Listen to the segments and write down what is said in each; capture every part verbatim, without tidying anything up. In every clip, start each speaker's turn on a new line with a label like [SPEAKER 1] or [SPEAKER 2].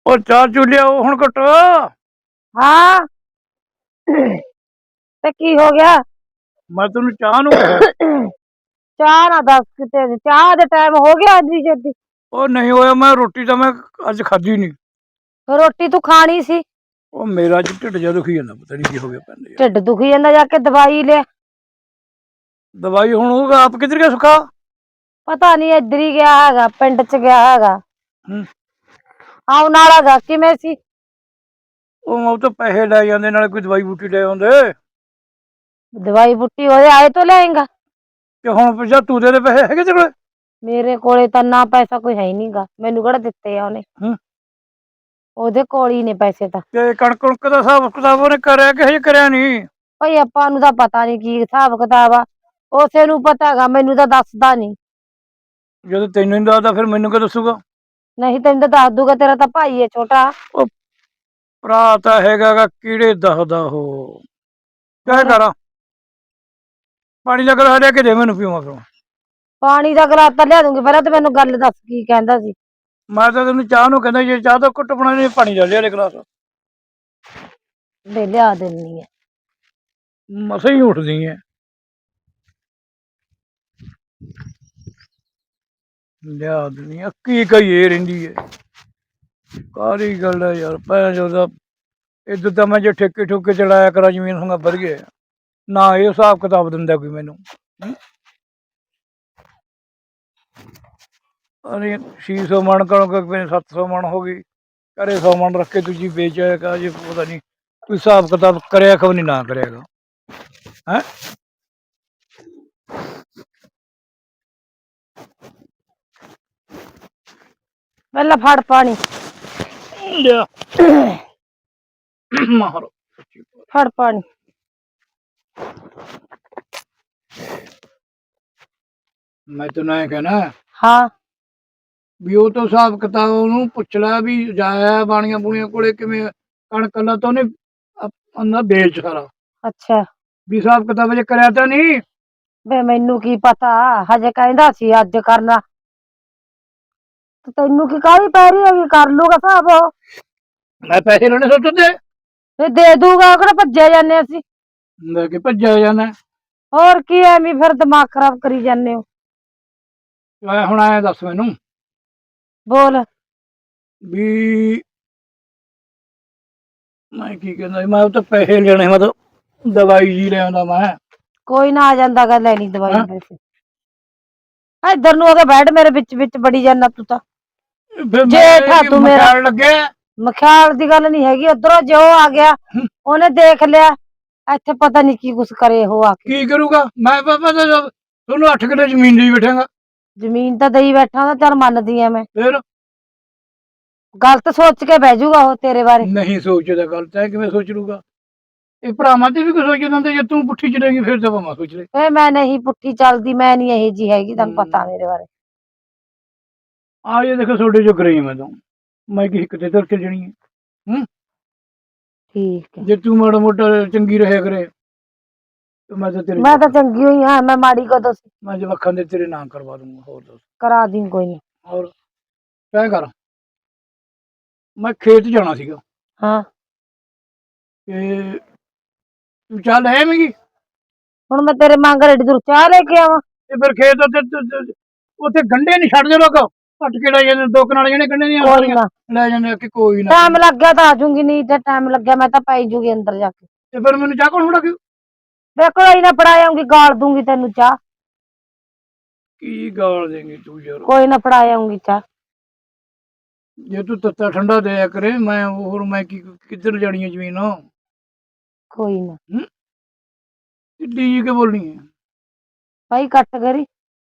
[SPEAKER 1] ਉਹ ਚਾਹ ਚੂ ਲਿਆਓ ਹੁਣ ਘਟੋ।
[SPEAKER 2] ਹਾਂ ਤੇ ਕੀ ਹੋ ਗਿਆ?
[SPEAKER 1] ਮੈਂ ਤੈਨੂੰ ਚਾਹ ਨੂੰ ਕਿਹਾ।
[SPEAKER 2] ਚਾਹ ਨਾ ਦੱਸ ਕਿਤੇ ਚਾਹ ਦੇ ਟਾਈਮ ਹੋ ਗਿਆ ਅੱਜ ਜੱਦੀ।
[SPEAKER 1] ਉਹ ਨਹੀਂ ਹੋਇਆ, ਮੈਂ ਰੋਟੀ ਤਾਂ ਮੈਂ ਅੱਜ ਖਾਧੀ ਨਹੀਂ।
[SPEAKER 2] ਰੋਟੀ ਤੂੰ ਖਾਣੀ ਸੀ।
[SPEAKER 1] ਉਹ ਮੇਰਾ ਅੱਜ ਢਿੱਡ ਜਿਹਾ ਦੁਖੀ ਜਾਂਦਾ, ਪਤਾ ਨਹੀਂ ਕੀ ਹੋ ਗਿਆ ਪੈਂਦੇ ਯਾਰ।
[SPEAKER 2] ਢਿੱਡ ਦੁਖੀ ਜਾਂਦਾ, ਜਾ ਕੇ ਦਵਾਈ ਲੈ।
[SPEAKER 1] ਦਵਾਈ ਹੁਣ ਹੋਊਗਾ, ਆਪ ਕਿੱਧਰ ਗਿਆ ਸੁੱਖਾ?
[SPEAKER 2] ਪਤਾ ਨਹੀਂ ਇੱਧਰ ਹੀ ਗਿਆ ਹੈਗਾ, ਪਿੰਡ ਚ ਗਿਆ ਹੈਗਾ।
[SPEAKER 1] ਹੂੰ।
[SPEAKER 2] ਆਉਣ ਵਾਲਾ ਗਾ, ਕਿਵੇਂ ਸੀ?
[SPEAKER 1] ਉਹ ਉਹ ਤਾਂ ਪੈਸੇ ਲੈ ਜਾਂਦੇ, ਨਾਲੇ ਕੋਈ ਦਵਾਈ ਬੂਟੀ ਲੈ ਆਉਂਦੇ।
[SPEAKER 2] ਦਵਾਈ ਬੂਟੀ ਉਹਦੇ ਆਏ ਤੋਂ ਲਿਆਏਗਾ।
[SPEAKER 1] ਕਿ ਹੁਣ ਪੁੱਛਿਆ ਤੂੰ ਦੇ ਪੈਸੇ ਹੈਗੇ ਤੇਰੇ ਕੋਲ?
[SPEAKER 2] ਮੇਰੇ ਕੋਲੇ ਤਾਂ ਨਾ ਪੈਸਾ ਕੋਈ ਹੈ ਹੀ ਨਹੀਂਗਾ, ਮੈਨੂੰ ਕਿਹੜਾ ਦਿੱਤੇ ਆ ਉਹਨੇ।
[SPEAKER 1] ਹੂੰ।
[SPEAKER 2] ਉਹਦੇ ਕੋਲ ਹੀ ਨੇ ਪੈਸੇ ਤਾਂ।
[SPEAKER 1] ਤੇ ਕਣਕ ਕੁਣਕ ਦਾ ਹਿਸਾਬ ਕਿਤਾਬ ਉਹਨੇ ਕਰਿਆ ਕਿ ਹਜੇ ਕਰਿਆ ਨਹੀਂ?
[SPEAKER 2] ਭਾਈ ਆਪਾਂ ਨੂੰ ਤਾਂ ਪਤਾ ਨੀ ਕੀ ਹਿਸਾਬ ਕਿਤਾਬ ਆ, ਉਸੇ ਨੂੰ ਪਤਾ ਹੈਗਾ, ਮੈਨੂੰ ਤਾਂ ਦੱਸਦਾ ਨੀ।
[SPEAKER 1] ਜਦੋਂ ਤੈਨੂੰ ਨਹੀਂ ਦੱਸਦਾ ਫਿਰ ਮੈਨੂੰ ਕੀ ਦੱਸੂਗਾ?
[SPEAKER 2] ਨਹੀਂ ਤੈਨੂੰ ਤਾਂ ਦੱਸ ਦੂਗਾ, ਤੇਰਾ ਤਾਂ ਭਾਈ ਹੈ ਛੋਟਾ।
[SPEAKER 1] ਉਹ ਭਰਾ ਤਾਂ ਹੈਗਾ ਗਾ, ਕੀੜੇ ਦੱਸਦਾ ਉਹ। ਕਿਆ ਕਰਾਂ? ਪਾਣੀ ਦਾ ਗਲਾਸ ਲਿਆ ਕੇ ਦੇ ਮੈਨੂੰ, ਪੀਵਾਂ ਫਿਰ।
[SPEAKER 2] ਪਾਣੀ ਦਾ ਗਲਾਸ ਤਾਂ ਲਿਆ ਦੂੰਗੀ, ਪਹਿਲਾਂ ਤੇ ਮੈਨੂੰ ਗੱਲ ਦੱਸ ਕੀ ਕਹਿੰਦਾ ਸੀ।
[SPEAKER 1] ਮੈਂ ਤਾਂ ਤੈਨੂੰ ਚਾਹ ਨੂੰ ਕਹਿੰਦਾ, ਜੇ ਚਾਹ ਦਾ ਘੁੱਟ ਬਣਾਉਣੀ ਪਾਣੀ ਦਾ ਲਿਆ ਦੇ ਗਲਾਸ।
[SPEAKER 2] ਦੇ ਲਿਆ ਦਿੰਨੀ ਆ।
[SPEAKER 1] ਮਸਾਂ ਹੀ ਉੱਠਦੀ ਐ। ਲਿਆ ਦਿੰਦੀ ਆ, ਕੀ ਕਹੀਏ ਰਹਿੰਦੀ ਐ। ਕਾਹਦੀ ਗੱਲ ਹੈ ਯਾਰ, ਭੈਣ ਚੋਦ ਇੱਧਰ ਤਾਂ ਮੈਂ ਜੇ ਠੇਕੇ ਠੁਕੇ ਚਲਾਇਆ ਕਰਾਂ ਜ਼ਮੀਨ ਹੁਣ ਵਧ ਗਏ ਨਾ, ਇਹ ਹਿਸਾਬ ਕਿਤਾਬ ਦਿੰਦਾ ਕੋਈ ਮੈਨੂੰ। ਅਰੇ ਛੇ ਸੌ ਮਣ ਕਣਕ ਸੱਤ ਸੌ ਮਣ ਹੋ ਗਈ, ਘਰੇ ਸੌ ਮਣ ਰੱਖ ਕੇ ਦੂਜੀ ਵੇਚ ਆਏਗਾ, ਜੇ ਪਤਾ ਨਹੀਂ ਕੋਈ ਹਿਸਾਬ ਕਿਤਾਬ ਕਰਿਆ ਖਬ ਨਹੀਂ ਨਾ ਕਰਿਆਗਾ ਹੈ।
[SPEAKER 2] ਪਹਿਲਾਂ ਫੜ ਪਾਣੀ
[SPEAKER 1] ਲਿਆ ਮਾਰੋ,
[SPEAKER 2] ਫੜ ਪਾਣੀ।
[SPEAKER 1] ਮੈਂ ਤੈਨੂੰ ਐ ਕਹਿਣਾ,
[SPEAKER 2] ਹਾਂ
[SPEAKER 1] ਵੀ ਉਹ ਤੋਂ ਹਿਸਾਬ ਕਿਤਾਬ ਉਹਨੂੰ ਪੁੱਛ ਲੈ, ਵੀ ਜਾਇਆ ਬਾਣੀਆਂ ਬੂਣੀਆਂ ਕੋਲੇ ਕਿਵੇਂ ਕਣਕ ਦਾ ਤਾਂ ਉਹਨੇ ਅੰਨਾ ਵੇਚ ਸਾਰਾ।
[SPEAKER 2] ਅੱਛਾ
[SPEAKER 1] ਵੀ ਹਿਸਾਬ ਕਿਤਾਬ ਜੇ ਕਰਿਆ ਤਾਂ ਨਹੀਂ?
[SPEAKER 2] ਵੇ ਮੈਨੂੰ ਕੀ ਪਤਾ, ਹਜੇ ਕਹਿੰਦਾ ਸੀ ਅੱਜ ਕਰਨਾ। ਤੈਨੂੰ ਕੀ ਕਾਹਲੀ ਪੈ ਰਹੀ ਹੈਗੀ, ਕਰ ਲੂਗਾ ਹਿਸਾਬ ਉਹ।
[SPEAKER 1] ਮੈਂ ਪੈਸੇ ਲੈਣੇ ਸੋਚਦੇ
[SPEAKER 2] ਤੇ ਦੇ ਦੂਗਾ, ਕਿਹੜਾ ਭੱਜਿਆ ਜਾਂਦੇ ਅਸੀਂ।
[SPEAKER 1] ਲੈ ਕੇ ਭੱਜਿਆ ਜਾਣਾ।
[SPEAKER 2] ਹੋਰ ਕੀ ਐਵੇਂ ਫਿਰ ਦਿਮਾਗ ਖਰਾਬ ਕਰੀ ਜਾਂਦੇ ਹੋ।
[SPEAKER 1] ਮੈਂ ਹੁਣ ਆਇਆ ਦੱਸ ਮੈਨੂੰ,
[SPEAKER 2] ਬੋਲ
[SPEAKER 1] ਵੀ ਮੈਂ ਕੀ ਕਹਿੰਦਾ, ਮੈਂ ਉਹ ਤਾਂ ਪੈਸੇ ਲੈਣੇ, ਮੈਂ ਤਾਂ ਦਵਾਈ ਜੀ ਲਿਆਉਂਦਾ ਮੈਂ।
[SPEAKER 2] ਕੋਈ ਨਾ ਆ ਜਾਂਦਾ ਗਾ, ਲੈਣੀ ਦਵਾਈ ਪੈਸੇ। ਇੱਧਰ ਨੂੰ ਉਹਦੇ ਬੈਠ, ਮੇਰੇ ਵਿੱਚ ਵਿੱਚ ਬੜੀ ਜਾਂਦਾ ਤੂੰ ਤਾਂ। ਜੇਠਾ ਤੂੰ ਮੇਰਾ,
[SPEAKER 1] ਲੱਗਿਆ
[SPEAKER 2] ਮਖਿਆਲ ਦੀ ਗੱਲ ਨੀ ਹੈਗੀ। ਉਧਰੋਂ ਜੋ ਆ ਗਿਆ ਉਹਨੇ ਦੇਖ ਲਿਆ, ਇੱਥੇ ਪਤਾ ਨੀ ਕੀ ਕੁਛ ਕਰੇ ਉਹ ਆ ਕੇ।
[SPEAKER 1] ਕੀ ਕਰੂਗਾ? ਮੈਂ ਪਾਪਾ ਤੁਹਾਨੂੰ ਅੱਠ ਕਿੱਲੇ ਜ਼ਮੀਨ ਦੀ ਬੈਠਾਂਗਾ।
[SPEAKER 2] ਜ਼ਮੀਨ ਤਾਂ ਦਈ ਬੈਠਾ, ਤਾਂ ਚੱਲ ਮੰਨਦੀ ਆ ਮੈਂ।
[SPEAKER 1] ਫਿਰ
[SPEAKER 2] ਗਲਤ ਸੋਚ ਕੇ ਬਹਿ ਜਾਊਗਾ ਉਹ ਤੇਰੇ ਬਾਰੇ।
[SPEAKER 1] ਨਹੀਂ ਸੋਚਦਾ, ਗਲਤ ਹੈ ਕਿਵੇਂ ਸੋਚ ਲੂਗਾ? ਇਹ ਭਰਾਵਾਂ ਤੇ ਵੀ ਕੁਝ ਸੋਚ ਦਿੰਦੇ, ਜੇ ਤੂੰ ਪੁੱਠੀ ਚਲੇਗੀ ਫਿਰ ਤਾਂ ਮੈਂ ਸੋਚ ਲੈ।
[SPEAKER 2] ਏ ਮੈਂ ਨਹੀਂ ਪੁੱਠੀ ਚੱਲਦੀ, ਮੈਂ ਨਹੀਂ ਇਹੋ ਜੀ ਹੈਗੀ, ਤੈਨੂੰ ਪਤਾ ਮੇਰੇ ਬਾਰੇ।
[SPEAKER 1] ਆ ਜੇ ਦੇਖੋ ਤੁਹਾਡੇ ਜੋ ਕਰੀ ਮੈਂ ਤਾਂ, ਮੈਂ ਕਿਸੇ ਕਿਤੇ ਤੁਰ ਕੇ ਜਣੀ ਹੈ। ਹੂੰ
[SPEAKER 2] ਠੀਕ ਹੈ,
[SPEAKER 1] ਜੇ ਤੂੰ ਮਾੜਾ ਮੋਟਾ ਚੰਗੀ ਰਹਿਆ ਕਰੇ ਮੈਂ ਤਾਂ ਤੇਰੇ
[SPEAKER 2] ਮੈਂ ਤਾਂ ਚੰਗੀ ਹੋਈ ਹਾਂ, ਮੈਂ ਮਾੜੀ ਕਦੋਂ ਸੀ?
[SPEAKER 1] ਮੈਂ ਜਵਾਕਾਂ ਦੇ ਤੇਰੇ ਨਾਂ ਕਰਵਾ ਦੂੰਗਾ। ਹੋਰ ਦੱਸ?
[SPEAKER 2] ਕਰਾ ਦੀ ਕੋਈ ਨਹੀਂ।
[SPEAKER 1] ਹੋਰ ਕਿਆ ਕਰ, ਮੈਂ ਖੇਤ ਜਾਣਾ ਸੀਗਾ।
[SPEAKER 2] ਹਾਂ
[SPEAKER 1] ਤੇ ਤੂੰ ਚਾਹ ਲੈ ਆਵੇਂਗੀ?
[SPEAKER 2] ਹੁਣ ਮੈਂ ਤੇਰੇ ਮੰਗ ਰੇਡੀ ਤੋਂ ਚਾਹ ਲੈ ਕੇ ਆਵਾਂ?
[SPEAKER 1] ਤੇ ਫਿਰ ਖੇਤ ਉੱਤੇ ਉੱਥੇ ਗੰਢੇ ਨਹੀਂ ਛੱਡਦੇ ਲੋਕ, ਘੱਟ ਕੇ ਲੈ ਜਾਂਦੇ, ਦੋ ਕਨਾਲ ਜਿਹੜੇ ਗੰਢੇ ਦੀਆਂ
[SPEAKER 2] ਕੋਈ ਨਾ
[SPEAKER 1] ਲੈ ਜਾਂਦੇ ਕਿ ਕੋਈ ਨਾ।
[SPEAKER 2] ਟਾਈਮ ਲੱਗ ਗਿਆ ਤਾਂ ਆ ਜੂੰਗੀ, ਨਹੀਂ ਤੇ ਟਾਈਮ ਲੱਗਿਆ ਮੈਂ ਤਾਂ ਪਾਈ ਜੂਗੀ ਅੰਦਰ ਜਾ ਕੇ।
[SPEAKER 1] ਤੇ ਫਿਰ ਮੈਨੂੰ ਚਾਹ ਕੌਣ ਫੜਾ ਕੇ?
[SPEAKER 2] ਦੇਖੋ ਹੀ ਨਾ ਫੜਾ ਆਉਂਗੀ, ਗਾਲ ਦੂੰਗੀ ਤੈਨੂੰ ਚਾਹ।
[SPEAKER 1] ਕੀ ਗਾਲ ਦੇਂਗੀ ਤੂੰ ਯਾਰ?
[SPEAKER 2] ਕੋਈ ਨਾ ਫੜਾ ਆਉਂਗੀ ਚਾਹ।
[SPEAKER 1] ਜੇ ਤੂੰ ਤੱਤਾ ਠੰਡਾ ਦਿਆ ਕਰੇ, ਮੈਂ ਹੋਰ ਮੈਂ ਕੀ ਕਿੱਧਰ ਜਾਣੀ ਹੈ ਜ਼ਮੀਨ?
[SPEAKER 2] ਕੋਈ ਨਾ
[SPEAKER 1] ਢਿੱਡੀ ਜੀ ਕੇ ਬੋਲਣੀ ਹੈ
[SPEAKER 2] ਭਾਈ, ਕੱਟ ਕਰੀ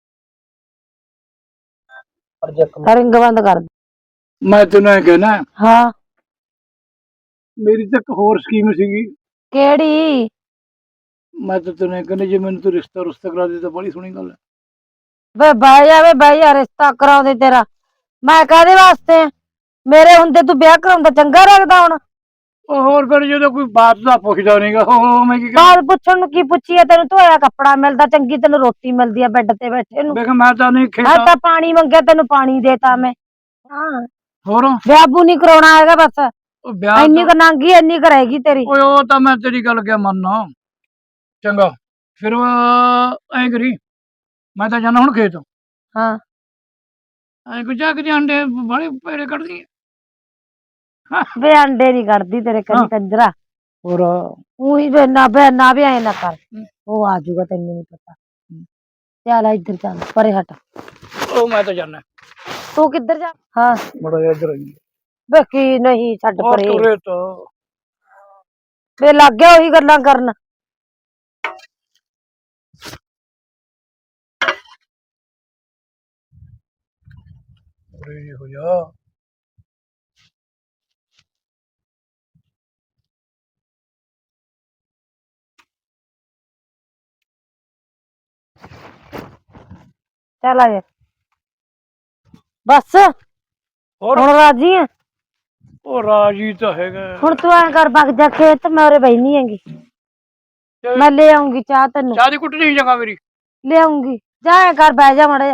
[SPEAKER 2] ਰਿੰਗ ਬੰਦ ਕਰ।
[SPEAKER 1] ਮੈਂ ਤੈਨੂੰ ਐ ਕਹਿਣਾ,
[SPEAKER 2] ਹਾਂ
[SPEAKER 1] ਮੇਰੀ ਤਾਂ ਇੱਕ ਹੋਰ ਸਕੀਮ ਸੀਗੀ।
[SPEAKER 2] ਕਿਹੜੀ?
[SPEAKER 1] ਮੈਂ ਤਾਂ ਤੈਨੂੰ ਐ ਕਹਿੰਦਾ, ਜੇ ਮੈਨੂੰ ਤੂੰ ਰਿਸ਼ਤਾ ਰੁਸ਼ਤਾ ਕਰਾ ਦੇ ਤਾਂ ਬੜੀ ਸੋਹਣੀ ਗੱਲ ਹੈ।
[SPEAKER 2] ਵੇ ਬਹਿ ਜਾ, ਵੇ ਬਹਿ ਜਾ, ਰਿਸ਼ਤਾ ਕਰਾਉਂਦੇ ਤੇਰਾ ਮੈਂ ਕਾਹਦੇ ਵਾਸਤੇ? ਮੇਰੇ ਹੁੰਦੇ ਤੂੰ ਵਿਆਹ ਕਰਾਉਂਦਾ ਚੰਗਾ ਲੱਗਦਾ ਹੁਣ?
[SPEAKER 1] ਉਹ ਹੋਰ ਫਿਰ ਜਦੋਂ ਕੋਈ ਬਾਤ ਦਾ ਪੁੱਛਦਾ ਨਹੀਂਗਾ, ਉਹ ਮੈਂ ਕੀ
[SPEAKER 2] ਬਾਤ ਪੁੱਛਣ ਨੂੰ ਕੀ ਪੁੱਛੀਏ? ਤੈਨੂੰ ਧੋਇਆ ਕੱਪੜਾ ਮਿਲਦਾ, ਚੰਗੀ ਤੈਨੂੰ ਰੋਟੀ ਮਿਲਦੀ ਆ ਬੈੱਡ ਤੇ ਬੈਠੇ ਨੂੰ।
[SPEAKER 1] ਦੇਖ ਮੈਂ ਤਾਂ ਨਹੀਂ
[SPEAKER 2] ਮੈਂ
[SPEAKER 1] ਖੇਤਾਂ
[SPEAKER 2] ਤਾਂ ਪਾਣੀ ਮੰਗਿਆ ਤੈਨੂੰ ਪਾਣੀ ਦੇਤਾ ਮੈਂ। ਹਾਂ
[SPEAKER 1] ਹੋਰ
[SPEAKER 2] ਵਿਆਹ ਬੂ ਨਹੀਂ ਕਰਾਉਣਾ ਹੈਗਾ ਬਸ।
[SPEAKER 1] ਉਹ ਵਿਆਹ
[SPEAKER 2] ਇੰਨੀ
[SPEAKER 1] ਤਾਂ-
[SPEAKER 2] ਕੁ ਨਾਂਗੀ ਇੰਨੀ ਕੁ ਰਹੇਗੀ ਤੇਰੀ।
[SPEAKER 1] ਓਏ ਉਹ ਤਾਂ ਮੈਂ ਤੇਰੀ ਗੱਲ ਕਿਆ ਮੰਨਣਾ। ਚੰਗਾ ਫਿਰ ਐਂ ਕਰੀ, ਮੈਂ ਤਾਂ ਜਾਣਾ ਹੁਣ ਖੇਤ।
[SPEAKER 2] ਹਾਂ
[SPEAKER 1] ਐਂ ਕੋਈ ਜਾ ਕੇ ਅੰਡੇ ਬਾਲੇ ਪੈੜੇ ਕੱਢਦੀ
[SPEAKER 2] ਵੇ ਅੰਡੇ ਨਹੀਂ ਕੱਢਦੀ ਤੇਰੇ
[SPEAKER 1] ਹਾਂ।
[SPEAKER 2] ਕੰਨੀ ਕੰਜਰਾ।
[SPEAKER 1] ਹੋਰ
[SPEAKER 2] ਉਹੀ ਨਾ ਬੇ ਨਾ ਵੀ ਐ ਨਾ ਕਰ, ਉਹ ਆ ਜਾਊਗਾ ਤੈਨੂੰ ਨਹੀਂ ਪਤਾ। ਚੱਲ ਇੱਧਰ ਚੱਲ ਪਰੇ ਹਟ।
[SPEAKER 1] ਉਹ ਮੈਂ ਤਾਂ ਜਾਣਾ
[SPEAKER 2] ਤੂੰ ਕਿੱਧਰ ਜਾ? ਹਾਂ
[SPEAKER 1] ਬੜਾ ਜਿਹਾ ਇੱਧਰ ਆਈ
[SPEAKER 2] ਵੇ ਕੀ ਨਹੀਂ ਛੱਡ
[SPEAKER 1] ਉਹ
[SPEAKER 2] ਪਰੇ।
[SPEAKER 1] ਤੁਰੇ ਤਾਂ
[SPEAKER 2] ਵੇ ਲੱਗ ਗਿਆ ਉਹੀ ਗੱਲਾਂ ਕਰਨ।
[SPEAKER 1] ਉਰੇ ਜਿਹੇ ਹੋ ਜਾ।
[SPEAKER 2] ਚੱਲ ਆ ਜਾ ਬਸ।
[SPEAKER 1] ਹੋਰ
[SPEAKER 2] ਹੁਣ ਰਾਜੀ ਆ?
[SPEAKER 1] ਉਹ ਰਾਜੀ ਤਾਂ ਹੈਗਾ।
[SPEAKER 2] ਹੁਣ ਤੂੰ ਐਂ ਕਰ ਵਗ ਜਾ ਖੇਤ, ਮੈਂ ਉਰੇ ਬੈਠੀ ਹੈਗੀ।
[SPEAKER 1] ਤੇ
[SPEAKER 2] ਮੈਂ ਲੈ ਆਉਂਗੀ ਚਾਹ ਤੈਨੂੰ।
[SPEAKER 1] ਚਾਹ ਦੀ ਕੁੱਟ ਨਹੀਂ ਜਗਾ ਮੇਰੀ।
[SPEAKER 2] ਲਿਆਉਂਗੀ ਜਾ ਐਂ ਕਰ ਬਹਿ ਜਾ ਮਾੜਾ ਜਾ।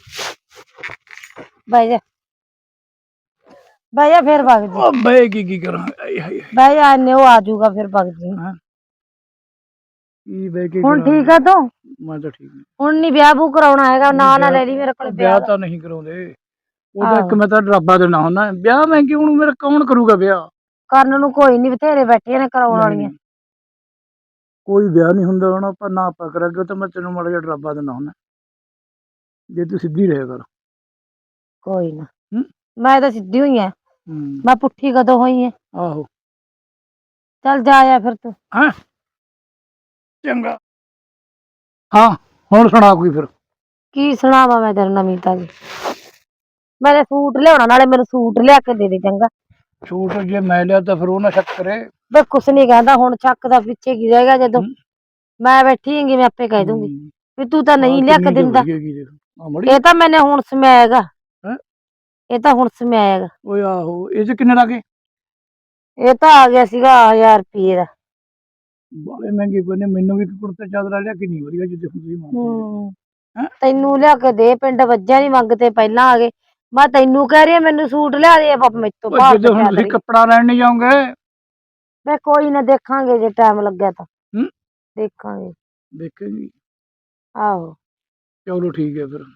[SPEAKER 2] ਬਹਿ ਜਾ ਬਹਿ ਜਾ ਫਿਰ ਵਗ ਜੀ।
[SPEAKER 1] ਉਹ ਬਹਿ ਕੀ ਕੀ ਕਰਾਂ ਆਏ ਹਾਏ ਹਾਏ।
[SPEAKER 2] ਬਹਿ ਜਾ ਇੰਨੇ ਉਹ ਆ ਜਾਊਗਾ ਫਿਰ ਵਗ ਜੀ।
[SPEAKER 1] ਹੈਂ? ਕੀ ਬਹਿ ਕੇ
[SPEAKER 2] ਹੁਣ
[SPEAKER 1] ਕਰਾਂ?
[SPEAKER 2] ਠੀਕ ਆ ਤੂੰ?
[SPEAKER 1] ਮੈਂ ਤਾਂ ਠੀਕ ਹਾਂ।
[SPEAKER 2] ਹੁਣ ਨੀ ਵਿਆਹ ਬੂ ਕਰਾਉਣਾ ਹੈਗਾ, ਨਾ ਨਾ
[SPEAKER 1] ਵਿਆਹ-
[SPEAKER 2] ਲੈ ਲਈ ਮੇਰੇ ਕੋਲ
[SPEAKER 1] ਉਹ
[SPEAKER 2] ਵਿਆਹ
[SPEAKER 1] ਵਿਆਹ
[SPEAKER 2] ਦਾ।
[SPEAKER 1] ਤਾਂ ਨਹੀਂ ਕਰਾਉਂਦੇ। ਉਹਦਾ ਇੱਕ
[SPEAKER 2] ਆਹੋ
[SPEAKER 1] ਮੈਂ ਤਾਂ ਡਰਾਬਾ ਦੇਣਾ ਹੁੰਦਾ ਵਿਆਹ। ਮੈਂ ਕਿ ਹੁਣ ਮੇਰਾ ਕੌਣ ਕਰੂਗਾ ਵਿਆਹ?
[SPEAKER 2] ਕਰਨ ਨੂੰ ਕੋਈ ਨੀ, ਬਥੇਰੇ ਬੈਠੇ ਨੇ ਕਰਾਉਣ ਵਾਲੀਆਂ।
[SPEAKER 1] ਨਹੀਂ, ਕੋਈ ਵਿਆਹ ਨਹੀਂ ਹੁੰਦਾ ਹੁਣ ਆਪਾਂ ਨਾ ਆਪਾਂ ਕਰਾਂਗੇ ਤਾਂ ਮੈਂ ਤੈਨੂੰ ਮਾੜਾ ਜਿਹਾ ਡਰਾਬਾ ਦੇਣਾ ਹੁੰਦਾ ਜੇ ਤੂੰ ਸਿੱਧੀ ਰਹਿ ਕਰ।
[SPEAKER 2] ਕੋਈ ਨਾ
[SPEAKER 1] ਹੂੰ
[SPEAKER 2] ਮੈਂ ਤਾਂ ਸਿੱਧੀ ਹੋਈ ਆ,
[SPEAKER 1] ਹੂੰ
[SPEAKER 2] ਮੈਂ ਪੁੱਠੀ ਕਦੋਂ ਹੋਈ ਆ?
[SPEAKER 1] ਆਹੋ
[SPEAKER 2] ਚੱਲ ਜਾ ਆ ਫਿਰ ਤੂੰ।
[SPEAKER 1] ਹੈਂ ਚੰਗਾ। ਹਾਂ ਹੁਣ ਸੁਣਾ ਕੋਈ ਫਿਰ।
[SPEAKER 2] ਕੀ ਸੁਣਾਵਾਂ ਮੈਂ ਤੇਰੇ ਨਵੀਂ ਤਾਜੀ? ਮੈਂ ਸੂਟ ਲਿਆਉਣਾ, ਨਾਲੇ ਮੈਨੂੰ ਸੂਟ ਲਿਆ ਕੇ ਦੇ ਦੇ ਚੰਗਾ।
[SPEAKER 1] ਛੂਟ ਜੇ ਮੈਂ ਲਿਆ ਤਾਂ ਫਿਰ ਉਹ ਨਾ ਸ਼ੱਕ ਕਰੇ।
[SPEAKER 2] ਬੇ ਕੁਛ ਨੀ ਕਹਿੰਦਾ, ਹੁਣ ਚੱਕ ਦਾ ਪਿੱਛੇ ਕੀ ਰਹੇਗਾ ਜਦੋਂ
[SPEAKER 1] ਹੂੰ,
[SPEAKER 2] ਮੈਂ ਬੈਠੀ ਹੈਗੀ। ਮੈਂ ਆਪੇ ਕਹਿ ਦੂੰਗੀ
[SPEAKER 1] ਹੂੰ।
[SPEAKER 2] ਵੀ ਤੂੰ ਤਾਂ ਨਹੀਂ
[SPEAKER 1] ਆਹ
[SPEAKER 2] ਲਿਆ ਕੇ
[SPEAKER 1] ਕਿੰਨੀ ਕੁ
[SPEAKER 2] ਦਿੰਦਾ।
[SPEAKER 1] ਵਧੀਆ ਹੈਗੀ ਦੇਖ ਆਹ ਮੜੀ।
[SPEAKER 2] ਇਹ ਤਾਂ ਮੈਨੇ ਹੁਣ ਸਮਾਇਆ ਹੈਗਾ।
[SPEAKER 1] ਹੈਂ?
[SPEAKER 2] ਇਹ ਤਾਂ ਹੁਣ ਸਮਾਇਆ ਹੈਗਾ।
[SPEAKER 1] ਓਏ ਆਹੋ ਇਹ ਚ ਕਿੰਨੇ ਲੱਗੇ?
[SPEAKER 2] ਇਹ ਤਾਂ ਆ ਗਿਆ ਸੀਗਾ ਹਜ਼ਾਰ ਰੁਪਏ ਦਾ।
[SPEAKER 1] ਬਾਲੇ ਮਹਿੰਗੇ ਪਏ ਨੇ। ਮੈਨੂੰ ਵੀ ਕੁੜਤਾ ਚਾਦਰਾ ਲਿਆ ਕੇ ਨਹੀਂ ਵਧੀਆ ਜਿੱਦੇ ਤੁਸੀਂ ਮੰਗਦੇ
[SPEAKER 2] ਹੂੰ
[SPEAKER 1] ਹੈਂ।
[SPEAKER 2] ਤੈਨੂੰ ਲਿਆ ਕੇ ਦੇ, ਪਿੰਡ ਵੱਜਿਆ ਨੀ ਮੰਗਤੇ ਪਹਿਲਾਂ ਆ ਗਏ। ਮੈਂ ਤੈਨੂੰ ਕਹਿ ਰਹੀ ਆ ਮੈਨੂੰ ਸੂਟ ਲਿਆ ਦੇ ਮੈਥੋਂ
[SPEAKER 1] ਉਹ
[SPEAKER 2] ਭਾਰਤ
[SPEAKER 1] ਜਿੱਦੇ ਹੁਣ ਤੁਸੀਂ
[SPEAKER 2] ਚਾਦਰੀ।
[SPEAKER 1] ਕੱਪੜਾ ਲੈਣ ਨਹੀਂ ਜਾਓਗੇ।
[SPEAKER 2] ਮੈਂ ਕੋਈ ਨਾ ਦੇਖਾਂਗੇ ਜੇ ਟਾਈਮ ਲੱਗਿਆ ਤਾਂ
[SPEAKER 1] ਹੂੰ
[SPEAKER 2] ਦੇਖਾਂਗੇ।
[SPEAKER 1] ਦੇਖੇਗੀ।
[SPEAKER 2] ਆਹੋ
[SPEAKER 1] ਚਲੋ ਠੀਕ ਹੈ ਫਿਰ।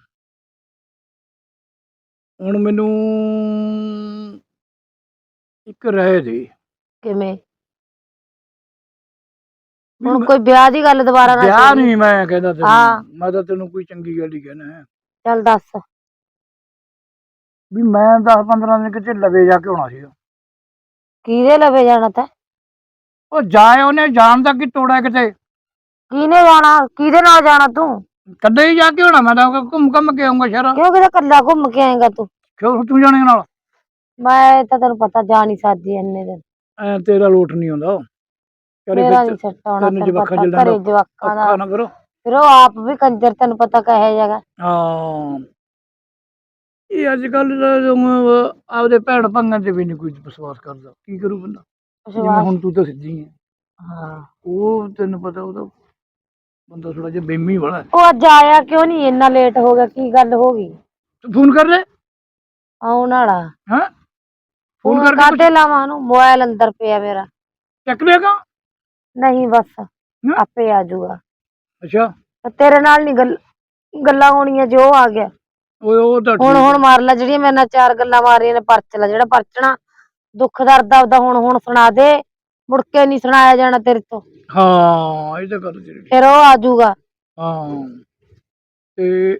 [SPEAKER 1] ਹੁਣ ਮੈਨੂੰ ਇੱਕ ਰਾਏ ਦੇ।
[SPEAKER 2] ਕਿਵੇਂ?
[SPEAKER 1] ਵੀ
[SPEAKER 2] ਹੁਣ
[SPEAKER 1] ਮੈਂ-
[SPEAKER 2] ਕੋਈ ਵਿਆਹ ਦੀ ਗੱਲ ਦੁਬਾਰਾ ਨਾ
[SPEAKER 1] ਵਿਆਹ
[SPEAKER 2] ਛੇੜੀ।
[SPEAKER 1] ਨਹੀਂ ਮੈਂ ਕਹਿੰਦਾ ਤੈਨੂੰ।
[SPEAKER 2] ਹਾਂ
[SPEAKER 1] ਮੈਂ ਤਾਂ ਤੈਨੂੰ ਕੋਈ ਚੰਗੀ ਗੱਲ ਹੀ ਕਹਿਣਾ ਹੈ
[SPEAKER 2] ਚੱਲ ਦੱਸ।
[SPEAKER 1] ਵੀ ਮੈਂ ਦਸ ਪੰਦਰਾਂ ਦਿਨ ਕਿਤੇ ਲਵੇ ਜਾ ਕੇ ਆਉਣਾ ਸੀਗਾ।
[SPEAKER 2] ਕਿਹਦੇ ਲਵੇ ਜਾਣਾ ਤੈਂ?
[SPEAKER 1] ਉਹ ਜਾਏ ਉਹਨੇ ਜਾਣ ਦਾ ਕੀ ਤੋੜਾ ਕਿਤੇ।
[SPEAKER 2] ਕਿਹਨੇ ਜਾਣਾ? ਕਿਹਦੇ ਨਾਲ ਜਾਣਾ ਤੂੰ?
[SPEAKER 1] ਕੱਲੇ ਹੀ ਜਾ ਕੇ ਹੋਣਾ। ਮੈਂ ਤਾਂ ਘੁੰਮ ਘੁੰਮ ਕੇ ਆਉਂਗਾ ਸ਼ਹਿਰ।
[SPEAKER 2] ਕਿਉਂ ਕਿਤੇ ਕੱਲਾ ਘੁੰਮ ਕੇ ਆਏਗਾ ਤੂੰ?
[SPEAKER 1] ਕਿਉਂ ਤੂੰ ਜਾਣੇ ਨਾਲ?
[SPEAKER 2] ਮੈਂ ਤਾਂ ਤੈਨੂੰ ਪਤਾ ਜਾ ਨਹੀਂ ਸਕਦੀ ਇੰਨੇ ਦਿਨ।
[SPEAKER 1] ਐ ਤੇਰਾ ਲੋਟ ਨਹੀਂ ਆਉਂਦਾ ਘਰੇ
[SPEAKER 2] ਮੇਰਾ
[SPEAKER 1] ਫਿਰ।
[SPEAKER 2] ਨੀ ਸੈੱਟ ਆਉਣਾ
[SPEAKER 1] ਤੈਨੂੰ
[SPEAKER 2] ਤੈਨੂੰ
[SPEAKER 1] ਜਵਾਕਾਂ
[SPEAKER 2] ਪਤਾ,
[SPEAKER 1] ਜਲਦਾ
[SPEAKER 2] ਘਰੇ ਜਵਾਕਾਂ ਦਾ
[SPEAKER 1] ਔਖਾ ਨਾ ਕਰੋ।
[SPEAKER 2] ਫਿਰ ਉਹ ਆਪ ਵੀ ਕੰਜਰ ਤੈਨੂੰ ਪਤਾ ਕਹੇ ਜਗਾ।
[SPEAKER 1] ਹਾਂ ਇਹ ਅੱਜ ਕੱਲ ਆਪਦੇ ਭੈਣ ਭਾਈਆਂ ਤੇ ਵੀ ਨਹੀਂ ਕੋਈ ਵਿਸ਼ਵਾਸ ਕਰਦਾ। ਕੀ ਕਰੂ ਬੰਦਾ? ਜਿਵੇਂ
[SPEAKER 2] ਵਿਸ਼ਵਾਸ
[SPEAKER 1] ਹੁਣ ਤੂੰ ਤਾਂ ਸਿੱਧੀ ਹੈ।
[SPEAKER 2] ਹਾਂ
[SPEAKER 1] ਉਹ ਤੈਨੂੰ ਪਤਾ ਉਹਦਾ ਬੰਦਾ ਥੋੜਾ ਜਿਹਾ ਬੇਮੀ ਵਾਲਾ।
[SPEAKER 2] ਉਹ ਅੱਜ ਆਇਆ ਕਿਉਂ ਨਹੀਂ? ਇੰਨਾ ਲੇਟ ਹੋ ਗਿਆ, ਕੀ ਗੱਲ ਹੋ ਗਈ?
[SPEAKER 1] ਤੂੰ ਫੋਨ ਕਰ ਲੈ।
[SPEAKER 2] ਆਉਣ ਵਾਲਾ।
[SPEAKER 1] ਹੈਂ ਫੋਨ
[SPEAKER 2] ਫੋਨ
[SPEAKER 1] ਕਰਕੇ
[SPEAKER 2] ਕਾਹਤੇ
[SPEAKER 1] ਪੁੱਛ।
[SPEAKER 2] ਲਾਵਾਂ ਉਹਨੂੰ? ਮੋਬਾਇਲ ਅੰਦਰ ਪਿਆ ਮੇਰਾ।
[SPEAKER 1] ਚੱਕ ਲਿਆਗਾ।
[SPEAKER 2] ਨਹੀਂ ਬਸ ਆਪੇ ਆ ਜਾਊਗਾ।
[SPEAKER 1] ਅੱਛਾ
[SPEAKER 2] ਤੇਰੇ ਨਾਲ ਨੀ ਗੱਲ ਗੱਲਾਂ ਹੋਣੀਆਂ ਜੋ ਆ ਗਿਆ।
[SPEAKER 1] ਓਏ ਉਹ ਤਾਂ
[SPEAKER 2] ਹੁਣ
[SPEAKER 1] ਠੀਕ
[SPEAKER 2] ਹੁਣ
[SPEAKER 1] ਹੈ।
[SPEAKER 2] ਮਾਰ ਲੈ ਜਿਹੜੀਆਂ ਮੇਰੇ ਨਾਲ ਚਾਰ ਗੱਲਾਂ ਮਾਰੀਆਂ ਨੇ। ਪਰਚ ਲੈ ਜਿਹੜਾ ਪਰਚਣਾ ਦੁੱਖ ਦਰਦ ਆਪਦਾ ਹੁਣ ਹੁਣ ਸੁਣਾ ਦੇ। ਮੁੜ ਕੇ ਨੀ ਸੁਣਾਇਆ ਜਾਣਾ ਤੇਰੇ ਤੋਂ।
[SPEAKER 1] ਹਾਂ ਇਹ ਤਾਂ ਗੱਲ ਤੇਰੀ ਠੀਕ।
[SPEAKER 2] ਫਿਰ ਉਹ ਆ ਜਾਊਗਾ।
[SPEAKER 1] ਹਾਂ ਤੇ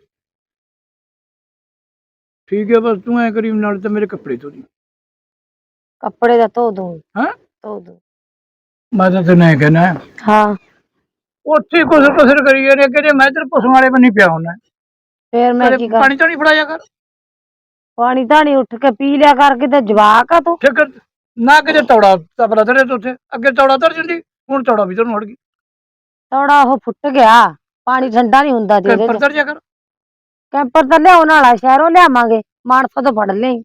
[SPEAKER 1] ਠੀਕ ਹੈ ਬਸ ਤੂੰ ਐ ਕਰੀ ਨਾਲ ਤਾਂ ਮੇਰੇ ਕੱਪੜੇ ਧੋ ਦੀ।
[SPEAKER 2] ਕੱਪੜੇ ਦਾ ਧੋ ਦੂੰ
[SPEAKER 1] ਹੈਂ
[SPEAKER 2] ਧੋ ਦੂੰ।
[SPEAKER 1] ਮੈਂ ਤਾਂ ਤੈਨੂੰ ਐ ਕਹਿਣਾ
[SPEAKER 2] ਹਾਂ
[SPEAKER 1] ਉੱਥੇ ਕੁਸਰ ਕੁਸਰ ਕਰੀ ਜਾਂਦੇ ਕਿ ਮੈਂ ਇੱਧਰ ਪਸ਼ੂਆਂ ਵਾਲੇ ਬੰਨੀ ਪਿਆ ਹੁੰਦਾ।
[SPEAKER 2] ਫੇਰ ਮੈਂ
[SPEAKER 1] ਕਦੇ
[SPEAKER 2] ਕੀ ਕਰ?
[SPEAKER 1] ਪਾਣੀ ਤਾਂ ਨਹੀਂ ਫੜਾਇਆ ਕਰ।
[SPEAKER 2] ਪਾਣੀ ਧਾਣੀ ਉੱਠ ਕੇ ਪੀ ਲਿਆ ਕਰ। ਕਿਤੇ ਜਵਾਕ ਆ ਤੂੰ?
[SPEAKER 1] ਠੀਕ ਨਾ ਕਿਤੇ ਤੌੜਾ ਤਪਲਾ ਧਰੇ ਤੇ ਉੱਥੇ ਅੱਗੇ ਤੌੜਾ ਧਰ ਜਾਂਦੀ। ਹੁਣ ਤੌੜਾ ਵੀ ਤੈਨੂੰ ਹੜ ਗਈ।
[SPEAKER 2] ਥੋੜਾ ਉਹ ਫੁੱਟ ਗਿਆ। ਪਾਣੀ ਠੰਡਾ ਨੀ ਹੁੰਦਾ ਜੀ ਉਹਦੇ
[SPEAKER 1] ਕੈਂਪਰ
[SPEAKER 2] ਚ।
[SPEAKER 1] ਧਰ ਜਾ ਕਰ।
[SPEAKER 2] ਕੈਂਪਰ ਤਾਂ ਲਿਆਉਣ ਵਾਲਾ ਸ਼ਹਿਰੋਂ ਲਿਆਵਾਂਗੇ। ਮਾਨਸਾ ਤੋਂ ਫੜ ਲਈ।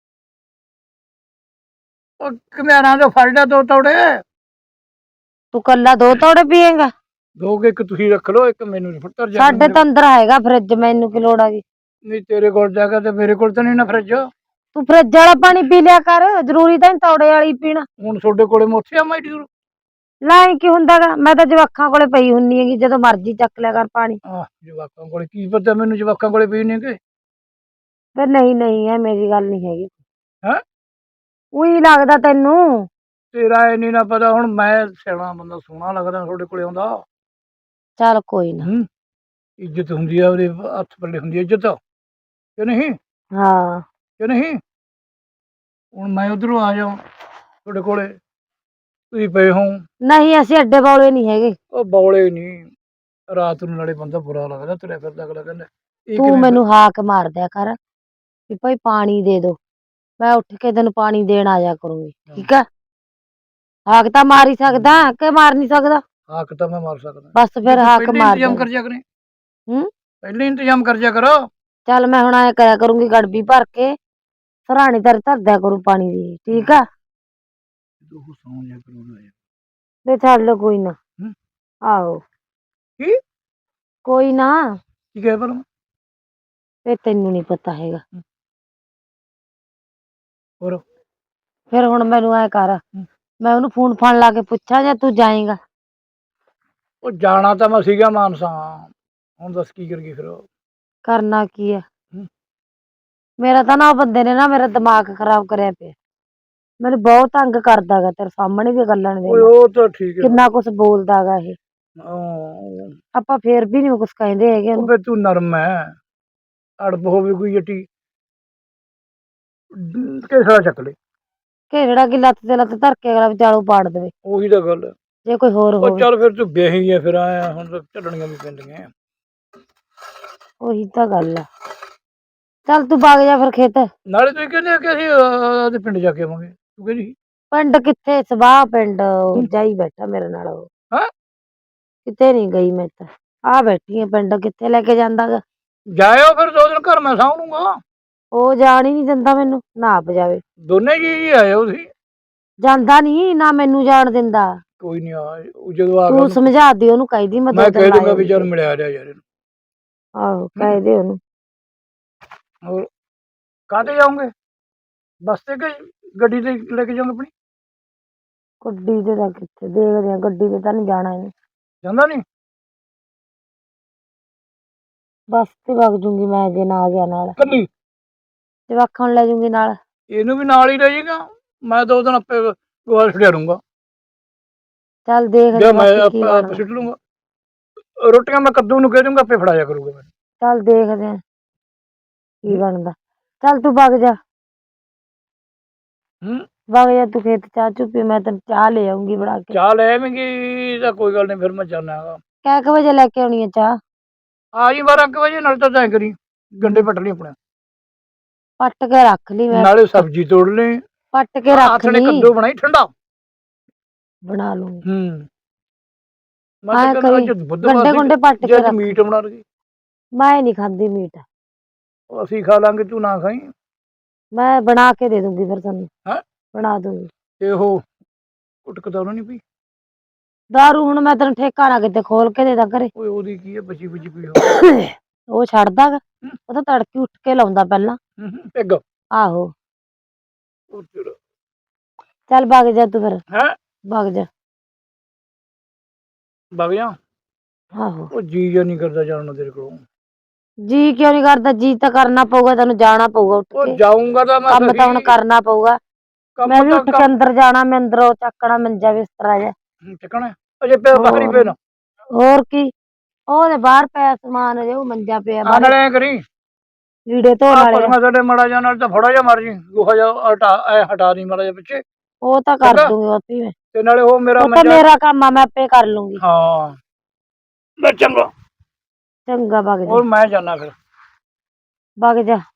[SPEAKER 1] ਉਹ ਘਮਿਆਰਾਂ ਤੋਂ ਫੜ ਲਿਆ ਦੋ ਤੌੜੇ।
[SPEAKER 2] ਤੂੰ ਕੱਲਾ ਦੋ ਤੌੜੇ ਪੀਏਗਾ?
[SPEAKER 1] ਦੋ ਕੁ ਇੱਕ ਤੁਸੀਂ ਰੱਖ ਲਓ, ਇੱਕ ਮੈਨੂੰ ਧਰ ਜਾ ਕੇ
[SPEAKER 2] ਸਾਡੇ
[SPEAKER 1] ਮੇਰੇ
[SPEAKER 2] ਤਾਂ
[SPEAKER 1] ਕੋਲ।
[SPEAKER 2] ਅੰਦਰ ਹੈਗਾ ਫਰਿੱਜ, ਮੈਨੂੰ ਕੀ ਲੋੜ ਆ ਗਈ?
[SPEAKER 1] ਨਹੀਂ ਤੇਰੇ ਕੋਲ ਜਾ ਕੇ ਤੇ ਮੇਰੇ ਕੋਲ ਤਾਂ ਨਹੀਂ ਨਾ ਫਰਿੱਜ।
[SPEAKER 2] ਤੂੰ ਫਰਿੱਜ ਵਾਲਾ ਪਾਣੀ ਪੀ ਲਿਆ ਕਰ, ਜ਼ਰੂਰੀ ਤਾਂ ਨੀ ਤੌੜੇ ਵਾਲੀ ਪੀਣਾ।
[SPEAKER 1] ਹੁਣ ਤੁਹਾਡੇ ਕੋਲੇ ਮੈਂ ਉੱਥੇ ਆਵਾਂ ਏਡੀ ਦੂਰ?
[SPEAKER 2] ਲੈ ਕੀ ਹੁੰਦਾਗਾ, ਮੈਂ ਤਾਂ ਜਵਾਕਾਂ ਕੋਲੇ ਪਈ ਹੁੰਨੀ ਹੈਗੀ, ਜਦੋਂ ਮਰਜ਼ੀ ਚੱਕ ਲਿਆ ਕਰ ਪਾਣੀ।
[SPEAKER 1] ਆਹ ਜਵਾਕਾਂ ਕੋਲੇ ਕੀ ਪਤਾ ਮੈਨੂੰ ਜਵਾਕਾਂ ਕੋਲੇ ਪਈ ਨੇ ਕਿ
[SPEAKER 2] ਫਿਰ ਨਹੀਂ ਨਹੀਂ ਐ ਮੇਰੀ ਗੱਲ ਨਹੀਂ ਹੈਗੀ।
[SPEAKER 1] ਹੈ
[SPEAKER 2] ਉਹੀ ਲੱਗਦਾ ਤੈਨੂੰ।
[SPEAKER 1] ਤੇਰਾ ਇਹ ਨਹੀਂ ਨਾ ਪਤਾ, ਹੁਣ ਮੈਂ ਸਿਆਣਾ ਬੰਦਾ ਸੋਹਣਾ ਲੱਗਦਾ ਤੁਹਾਡੇ ਕੋਲੇ ਆਉਂਦਾ।
[SPEAKER 2] ਚੱਲ ਕੋਈ ਨਾ।
[SPEAKER 1] ਹੂੰ ਇੱਜ਼ਤ ਹੁੰਦੀ ਆ, ਉਹਦੇ ਹੱਥ ਪੱਲੇ ਹੁੰਦੀ ਆ ਇੱਜ਼ਤ ਕਿ ਨਹੀਂ?
[SPEAKER 2] ਹਾਂ
[SPEAKER 1] ਕਿ ਨਹੀਂ? ਹੁਣ ਮੈਂ ਉਧਰੋਂ ਆ ਜਾਵਾਂ ਤੁਹਾਡੇ ਕੋਲੇ, ਤੁਸੀਂ ਪਏ ਹੋ।
[SPEAKER 2] ਨਹੀਂ ਅਸੀਂ ਅੱਡੇ ਬੌਲੇ ਨਹੀਂ ਹੈਗੇ।
[SPEAKER 1] ਉਹ ਬੌਲੇ ਨਹੀਂ, ਰਾਤ ਨੂੰ ਨਾਲੇ ਬੰਦਾ ਬੁਰਾ ਲੱਗਦਾ ਤੁਰਿਆ ਫਿਰਦਾ, ਅਗਲਾ ਕਹਿੰਦਾ ਇਹ
[SPEAKER 2] ਤੂੰ
[SPEAKER 1] ਕਿਵੇਂ ਫਿਰ-
[SPEAKER 2] ਮੈਨੂੰ ਹਾਕ ਮਾਰ ਦਿਆ ਕਰ ਵੀ ਭਾਈ ਪਾਣੀ ਦੇ ਦੋ, ਮੈਂ ਉੱਠ ਕੇ ਤੈਨੂੰ ਪਾਣੀ ਦੇਣ ਆ ਜਾ ਕਰੂੰਗੀ, ਠੀਕ ਆ? ਹਾਕ ਤਾਂ ਮਾਰ ਹੀ ਸਕਦਾ ਕਿ ਮਾਰ ਨਹੀਂ ਸਕਦਾ?
[SPEAKER 1] ਹਾਕ ਤਾਂ ਮੈਂ ਮਾਰ ਸਕਦਾ,
[SPEAKER 2] ਬਸ ਫਿਰ ਹਾਕ
[SPEAKER 1] ਪਹਿਲੇ
[SPEAKER 2] ਮਾਰ
[SPEAKER 1] ਇੰਤਜ਼ਾਮ
[SPEAKER 2] ਦੇ।
[SPEAKER 1] ਕਰ ਜਾ ਕਰੇ।
[SPEAKER 2] ਹੂੰ
[SPEAKER 1] ਪਹਿਲੇ ਇੰਤਜ਼ਾਮ ਕਰ ਜਾ ਕਰੋ।
[SPEAKER 2] ਚੱਲ ਮੈਂ ਹੁਣ ਐ ਕਰਿਆ ਕਰੂੰਗੀ, ਗੜਬੀ ਭਰ ਕੇ ਸਰਾਣੀ ਤੇਰੇ ਧਰ ਦਿਆ ਕਰੂ ਪਾਣੀ ਦੀ, ਠੀਕ ਆ?
[SPEAKER 1] ਤੂੰ ਸੌਂ ਜਾ ਕਰੂੰਗਾ ਯਾਰ।
[SPEAKER 2] ਤੇ ਛੱਡ ਕੋਈ ਨਾ।
[SPEAKER 1] ਹੂੰ
[SPEAKER 2] ਆਹੋ
[SPEAKER 1] ਕੀ
[SPEAKER 2] ਕੋਈ ਨਾ,
[SPEAKER 1] ਕੀ ਕਹਿ ਪਰ
[SPEAKER 2] ਇਹ ਤੈਨੂੰ ਨਹੀਂ ਪਤਾ ਹੈਗਾ।
[SPEAKER 1] ਹੋਰ
[SPEAKER 2] ਫਿਰ ਹੁਣ ਮੈਨੂੰ ਐ ਕਰ,
[SPEAKER 1] ਹੂੰ।
[SPEAKER 2] ਮੈਂ ਉਹਨੂੰ ਫੋਨ ਫਾਨ ਲਾ ਕੇ ਪੁੱਛਾਂ ਜਾਂ ਤੂੰ ਜਾਏਗਾ?
[SPEAKER 1] ਉਹ ਜਾਣਾ ਤਾਂ ਮੈਂ ਸੀਗਾ ਮਾਨਸਾ, ਹੁਣ ਦੱਸ ਕੀ ਕਰੀਏ ਫਿਰ?
[SPEAKER 2] ਕਰਨਾ ਕੀ ਆ?
[SPEAKER 1] ਹੂੰ।
[SPEAKER 2] ਮੇਰਾ ਤਾਂ ਨਾ ਉਹ ਬੰਦੇ ਨੇ ਨਾ ਮੇਰਾ ਦਿਮਾਗ ਖਰਾਬ ਕਰਿਆ ਪਿਆ, ਮੈਨੂੰ ਬਹੁਤ ਤੰਗ ਕਰਦਾ ਗਾ, ਤੇਰੇ ਸਾਹਮਣੇ ਵੀ ਗੱਲਾਂ ਨੇ
[SPEAKER 1] ਓਏ ਉਹ ਤਾਂ ਠੀਕ ਹੈ,
[SPEAKER 2] ਕਿੰਨਾ ਕੁਛ ਬੋਲਦਾ ਗਾ ਇਹ।
[SPEAKER 1] ਹਾਂ
[SPEAKER 2] ਆਪਾਂ ਫੇਰ ਵੀ ਨੀ ਕੁਛ ਕਹਿੰਦੇ ਹੈਗੇ
[SPEAKER 1] ਉਹ
[SPEAKER 2] ਉਹਨੂੰ।
[SPEAKER 1] ਫਿਰ ਤੂੰ ਨਰਮ ਹੈ, ਅੜਬ ਹੋਵੇ ਕੋਈ ਜੱਟੀ ਕਿਸਾ ਚੱਕ ਲੈ।
[SPEAKER 2] ਘੇੜਾ ਕੀ ਲੱਤ ਤੇ ਲੱਤ ਧਰ ਕੇ ਅਗਲਾ ਵਿਚਾਲੂ ਪਾੜ ਦੇਵੇ,
[SPEAKER 1] ਉਹੀ ਤਾਂ ਗੱਲ ਹੈ।
[SPEAKER 2] ਜੇ ਕੋਈ ਹੋਰ
[SPEAKER 1] ਉਹ
[SPEAKER 2] ਹੋਵੇ।
[SPEAKER 1] ਚੱਲ ਫਿਰ ਤੂੰ ਵਿਆਹੀ ਆ, ਫਿਰ ਆਇਆ ਹੁਣ ਤਾਂ ਝੱਲਣੀਆਂ ਵੀ ਪੈਂਦੀਆਂ।
[SPEAKER 2] ਉਹੀ ਤਾਂ ਗੱਲ ਆ। ਚੱਲ ਤੂੰ ਵਗ ਜਾ ਫਿਰ ਖੇਤ।
[SPEAKER 1] ਨਾਲੇ ਤੁਸੀਂ ਕਹਿੰਦੇ ਆ ਕਿ ਅਸੀਂ ਉਹਦੇ ਪਿੰਡ ਜਾ ਕੇ ਆਵਾਂਗੇ, ਤੂੰ ਕਹਿੰਦੀ
[SPEAKER 2] ਪਿੰਡ ਕਿੱਥੇ, ਸਵਾਹ ਪਿੰਡ ਜਾਈ ਬੈਠਾ ਮੇਰੇ ਨਾਲ ਉਹ।
[SPEAKER 1] ਹਾਂ
[SPEAKER 2] ਕਿਤੇ ਨੀ ਗਈ ਮੈਂ ਤਾਂ, ਆ ਬੈਠੀ ਆ ਪਿੰਡ, ਕਿੱਥੇ ਲੈ ਕੇ ਜਾਂਦਾ ਗਾ?
[SPEAKER 1] ਜਾਇਓ ਫਿਰ ਦੋ ਦਿਨ ਘਰ ਮੈਂ ਸਾਂਭ ਲੂੰਗਾ।
[SPEAKER 2] ਉਹ ਜਾਣ ਹੀ ਨਹੀਂ ਦਿੰਦਾ ਮੈਨੂੰ, ਨਾ ਆਪ ਜਾਵੇ।
[SPEAKER 1] ਦੋਨੇ ਜੀ ਆਇਓ ਤੁਸੀਂ।
[SPEAKER 2] ਜਾਂਦਾ ਨੀ ਨਾ, ਮੈਨੂੰ ਜਾਣ ਦਿੰਦਾ।
[SPEAKER 1] ਕੋਈ ਨਹੀਂ ਆ ਜਦੋਂ ਆ
[SPEAKER 2] ਤੂੰ ਸਮਝਾ ਦੀ ਉਹਨੂੰ, ਕਹਿਦੀ ਮੈਂ ਦੋ
[SPEAKER 1] ਮੈਂ
[SPEAKER 2] ਦਿਨ
[SPEAKER 1] ਕਹਿ
[SPEAKER 2] ਲਾ
[SPEAKER 1] ਦੂੰਗਾ ਵੀ ਚੱਲ
[SPEAKER 2] ਆਉਂਗੀ।
[SPEAKER 1] ਮਿਲਿਆ ਰਿਹਾ ਯਾਰ ਇਹਨੂੰ।
[SPEAKER 2] ਆਹੋ ਕਹਿ ਦੇ ਉਹਨੂੰ।
[SPEAKER 1] ਹੋਰ ਕਾਹਤੇ ਜਾਓਗੇ, ਬੱਸ ਤੇ ਕਿ ਗੱਡੀ ਤੇ ਲੈ ਕੇ ਜਾਓਗੇ ਆਪਣੀ?
[SPEAKER 2] ਗੱਡੀ ਤੇ ਤਾਂ ਕਿੱਥੇ, ਦੇਖਦੇ ਆ, ਗੱਡੀ ਤੇ ਤਾਂ ਨਹੀਂ ਜਾਣਾ ਇਹਨੇ।
[SPEAKER 1] ਜਾਂਦਾ ਨਹੀਂ?
[SPEAKER 2] ਬੱਸ ਤੇ ਵਗ ਜੂੰਗੀ ਮੈਂ ਜੇ ਨਾ ਗਿਆ ਨਾਲ,
[SPEAKER 1] ਕੱਲੀ
[SPEAKER 2] ਜਵਾਕਾਂ ਨੂੰ ਲੈ ਜੂੰਗੀ ਨਾਲ।
[SPEAKER 1] ਇਹਨੂੰ ਵੀ ਨਾਲ ਹੀ ਲੈ ਜਾਏਗਾ, ਮੈਂ ਦੋ ਦਿਨ ਆਪੇ ਗੋਹਾ ਛੱਡਿਆ ਲੂੰਗਾ।
[SPEAKER 2] ਚੱਲ ਦੇਖਦੇ
[SPEAKER 1] ਜਾਂ ਮੈਂ
[SPEAKER 2] ਬਾਕੀ
[SPEAKER 1] ਆਪ
[SPEAKER 2] ਕੀ
[SPEAKER 1] ਆਪ
[SPEAKER 2] ਬਣਦਾ।
[SPEAKER 1] ਸਿੱਟ ਲੂੰਗਾ, ਰੋਟੀਆਂ ਮੈਂ ਕੱਦੂ ਨੂੰ ਕਹਿ ਦੂੰਗਾ ਆਪੇ ਫੜਾਇਆ ਕਰੂਗਾ ਮੈਨੂੰ।
[SPEAKER 2] ਚੱਲ ਦੇਖਦੇ ਆ ਕੀ ਬਣਦਾ। ਚੱਲ ਤੂੰ ਵਗ ਜਾ,
[SPEAKER 1] ਹੂੰ
[SPEAKER 2] ਵਗ ਜਾ ਤੂੰ ਖੇਤ, ਚਾਹ ਚੁ ਪੀ, ਮੈਂ ਤੈਨੂੰ ਚਾਹ ਲੈ ਆਉਂਗੀ ਬਣਾ ਕੇ।
[SPEAKER 1] ਚਾਹ ਲੈ ਆਵੇਂਗੀ ਤਾਂ ਕੋਈ ਗੱਲ ਨਹੀਂ, ਫਿਰ ਮੈਂ ਜਾਣਾ ਹੈਗਾ।
[SPEAKER 2] ਕਿੰਨੇ ਕੁ ਵਜੇ ਲੈ ਕੇ ਆਉਣੀ ਆ ਚਾਹ?
[SPEAKER 1] ਆ ਜੀ ਬਾਰਾਂ ਕੁ ਵਜੇ, ਨਾਲ ਤਾਂ ਤੈਂ ਕਰੀ ਗੰਡੇ ਪੱਟ ਲਈ ਆਪਣੇ,
[SPEAKER 2] ਪੱਟ ਕੇ ਰੱਖ ਲਈ ਮੈਂ,
[SPEAKER 1] ਨਾਲੇ ਸਬਜ਼ੀ ਤੋੜ ਲਈ,
[SPEAKER 2] ਪੱਟ ਕੇ ਰੱਖ
[SPEAKER 1] ਹੱਥ ਨੇ
[SPEAKER 2] ਲਈ,
[SPEAKER 1] ਕੱਦੂ ਬਣਾਈ ਠੰਡਾ
[SPEAKER 2] ਬਣਾ ਲੂੰਗੀ।
[SPEAKER 1] ਹੂੰ ਮੈਂ
[SPEAKER 2] ਐਂ
[SPEAKER 1] ਤਾਂ ਕਹਿੰਦਾ
[SPEAKER 2] ਕਰੀ
[SPEAKER 1] ਅੱਜ ਬੁੱਧਵਾਰ
[SPEAKER 2] ਗੰਡੇ
[SPEAKER 1] ਸੀ,
[SPEAKER 2] ਗੁੰਡੇ ਪੱਟ
[SPEAKER 1] ਜੇ
[SPEAKER 2] ਕੇ
[SPEAKER 1] ਅੱਜ
[SPEAKER 2] ਰੱਖ,
[SPEAKER 1] ਮੀਟ ਬਣਾ ਲਈ।
[SPEAKER 2] ਮੈਂ ਨਹੀਂ ਖਾਂਦੀ ਮੀਟ।
[SPEAKER 1] ਅਸੀਂ ਖਾ ਲਾਂਗੇ, ਤੂੰ ਨਾ ਖਾਈ।
[SPEAKER 2] ਮੈਂ ਬਣਾ ਕੇ ਦੇ ਦੂੰਗੀ ਫਿਰ ਤੁਹਾਨੂੰ,
[SPEAKER 1] ਹੈ
[SPEAKER 2] ਬਣਾ ਦੂੰਗੀ।
[SPEAKER 1] ਤੇ ਉਹ ਕੁਟਕ ਤਾਂ ਨਹੀਂ ਪਈ?
[SPEAKER 2] ਦਾਰੂ ਹੁਣ ਮੈਂ ਤੈਨੂੰ ਠੇਕਾ ਨਾ ਕਿਤੇ ਖੋਲ ਕੇ ਦੇ ਦਾਂ ਘਰੇ।
[SPEAKER 1] ਓਏ ਉਹਦੀ ਕੀ ਹੈ, ਬਚੀ ਬੁਚੀ ਪਈ ਹੋਵੇ।
[SPEAKER 2] ਉਹ ਛੱਡਦਾ ਗਾ, ਉਹ ਤਾਂ ਤੜਕੇ ਉੱਠ ਕੇ ਲਾਉਂਦਾ ਪਹਿਲਾਂ।
[SPEAKER 1] ਪਿੱਗ
[SPEAKER 2] ਆਹੋ ਚੱਲ ਵਗ ਜਾ ਤੂੰ ਫਿਰ,
[SPEAKER 1] ਹੈ
[SPEAKER 2] ਵਗ ਜਾ।
[SPEAKER 1] ਵਗ ਜਾ।
[SPEAKER 2] ਆਹੋ
[SPEAKER 1] ਉਹ ਜੀ ਜਾਂ ਨਹੀਂ ਕਰਦਾ ਜਾਣ ਨੂੰ ਤੇਰੇ ਕੋਲ?
[SPEAKER 2] ਜੀ ਕਿਉਂ ਨਹੀਂ ਕਰਦਾ, ਜੀ ਤਾਂ ਕਰਨਾ ਪਊਗਾ, ਤੈਨੂੰ ਜਾਣਾ ਪਊਗਾ ਉੱਠ
[SPEAKER 1] ਉਹ
[SPEAKER 2] ਕੇ,
[SPEAKER 1] ਜਾਊਂਗਾ ਤਾਂ ਮੈਂ
[SPEAKER 2] ਕੰਮ ਤਾਂ ਹੁਣ
[SPEAKER 1] ਸਹੀ,
[SPEAKER 2] ਕਰਨਾ ਪਊਗਾ। ਮੈਂ
[SPEAKER 1] ਕੰਮ
[SPEAKER 2] ਵੀ
[SPEAKER 1] ਤਾਂ
[SPEAKER 2] ਉੱਠ ਕੇ ਅੰਦਰ ਜਾਣਾ, ਮੈਂ ਅੰਦਰੋਂ ਚੱਕਣਾ ਮੰਜਾ ਬਿਸਤਰਾ ਜਿਹਾ।
[SPEAKER 1] ਚੱਕਣਾ ਅਜੇ ਪਿਆ ਬਾਹਰ ਹੀ
[SPEAKER 2] ਹੋਰ
[SPEAKER 1] ਪਏ ਨਾ।
[SPEAKER 2] ਹੋਰ ਕੀ, ਉਹਦੇ ਬਾਹਰ ਪਿਆ ਸਮਾਨ, ਅਜੇ ਉਹ ਮੰਜਾ ਪਿਆ
[SPEAKER 1] ਆ
[SPEAKER 2] ਬਾਹਰ,
[SPEAKER 1] ਨਾਲੇ ਐ ਕਰੀ,
[SPEAKER 2] ਲੀੜੇ ਧੋਣ
[SPEAKER 1] ਆ
[SPEAKER 2] ਵਾਲੇ ਆ।
[SPEAKER 1] ਪਸ਼ੂਆਂ ਸਾਡੇ ਮਾੜਾ ਜਿਹਾ ਨਾਲ ਤਾਂ ਫੜਾ ਜਾ ਮਾਰ ਜੀ, ਗੋਹਾ ਜਿਹਾ ਹਟਾ ਐ ਹਟਾ ਦੀ ਮਾੜਾ ਜਿਹਾ ਪਿੱਛੇ।
[SPEAKER 2] ਉਹ ਤਾਂ ਕਰ
[SPEAKER 1] ਚੰਗਾ
[SPEAKER 2] ਦੂੰਗੀ ਆਪੇ ਮੈਂ,
[SPEAKER 1] ਤੇ ਨਾਲੇ ਉਹ ਮੇਰਾ
[SPEAKER 2] ਉਹ ਤਾਂ
[SPEAKER 1] ਮੰਜਾ,
[SPEAKER 2] ਮੇਰਾ ਕੰਮ ਆ, ਮੈਂ ਆਪੇ ਕਰ ਲੂੰਗੀ।
[SPEAKER 1] ਹਾਂ ਮੈਂ ਚੰਗਾ,
[SPEAKER 2] ਚੰਗਾ ਵਗ ਜਾ,
[SPEAKER 1] ਹੋਰ ਮੈਂ ਜਾਣਾ ਫਿਰ।
[SPEAKER 2] ਵਗ ਜਾ।